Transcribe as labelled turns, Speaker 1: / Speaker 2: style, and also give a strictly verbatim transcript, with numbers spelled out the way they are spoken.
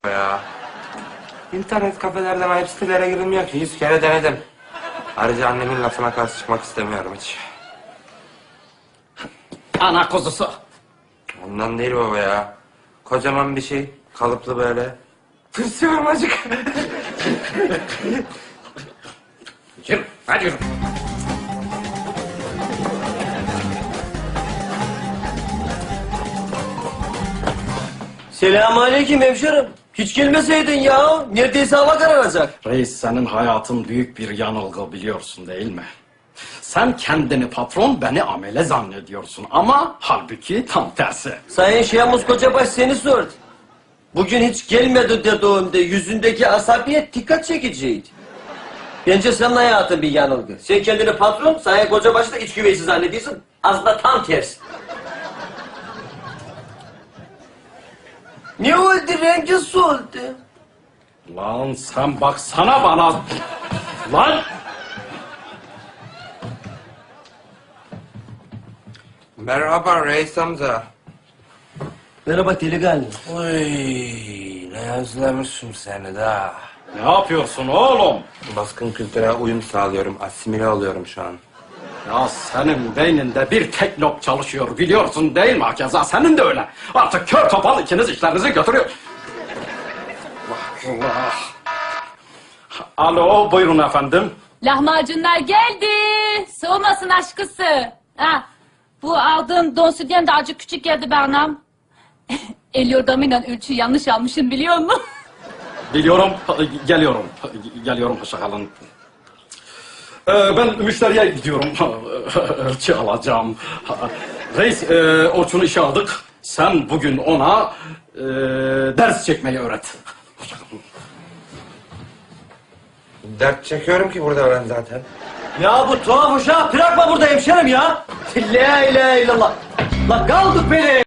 Speaker 1: ya. İnternet kafelerden ayıp sitelere girilmiyor ki. Yüz kere denedim. Ayrıca annemin lafına karşı çıkmak istemiyorum hiç.
Speaker 2: Ana kuzusu.
Speaker 1: Ondan değil baba ya. Kocaman bir şey. Kalıplı böyle. Tırsıyorum acık.
Speaker 2: Yürü, hadi yürü.
Speaker 3: Selamünaleyküm hemşerim. Hiç gelmeseydin ya. Neredeyse hava kararacak.
Speaker 2: Reis, senin hayatın büyük bir yanılgı, biliyorsun değil mi? Sen kendini patron, beni amele zannediyorsun ama halbuki tam tersi.
Speaker 3: Sayın Şemus Kocabaş seni sordu. Bugün hiç gelmedi dediğimde yüzündeki asabiyet dikkat çekiciydi. Bence senin hayatın bir yanılgı. Sen kendini patron, Sayın Kocabaş'ı da iç güveysi zannediyorsun. Aslında tam tersi. Ne oldu? Rengi soldu.
Speaker 2: Lan sen baksana bana. Lan!
Speaker 1: Merhaba reis amca.
Speaker 3: Merhaba delikanlı.
Speaker 1: Uy, ne özlemişim seni de.
Speaker 2: Ne yapıyorsun oğlum?
Speaker 1: Baskın kültüre uyum sağlıyorum. Asimile oluyorum şu an.
Speaker 2: Ya senin beyninde bir tek lob çalışıyor, biliyorsun değil mi? Hakeza senin de öyle. Artık kör topal ikiniz işlerinizi götürüyor. Allah Allah. Alo, buyurun efendim.
Speaker 4: Lahmacunlar geldi. Soğumasın aşkısı. Ha, bu aldığın don sütyen de acık küçük geldi be anam. El yordamıyla ölçüyü yanlış almışım biliyor musun?
Speaker 2: Biliyorum, geliyorum. Geliyorum, hoşça kalın. Ee, ben müşteriye gidiyorum. Ölçü alacağım. Reis, e, Orçun'u işe aldık. Sen bugün ona e, ders çekmeyi öğret. Hoşça kalın.
Speaker 1: Dert çekiyorum ki burada ben zaten.
Speaker 3: Ya bu tuhaf uşağı bırakma burada hemşerim ya. La ilahe illallah. La kaldık beni.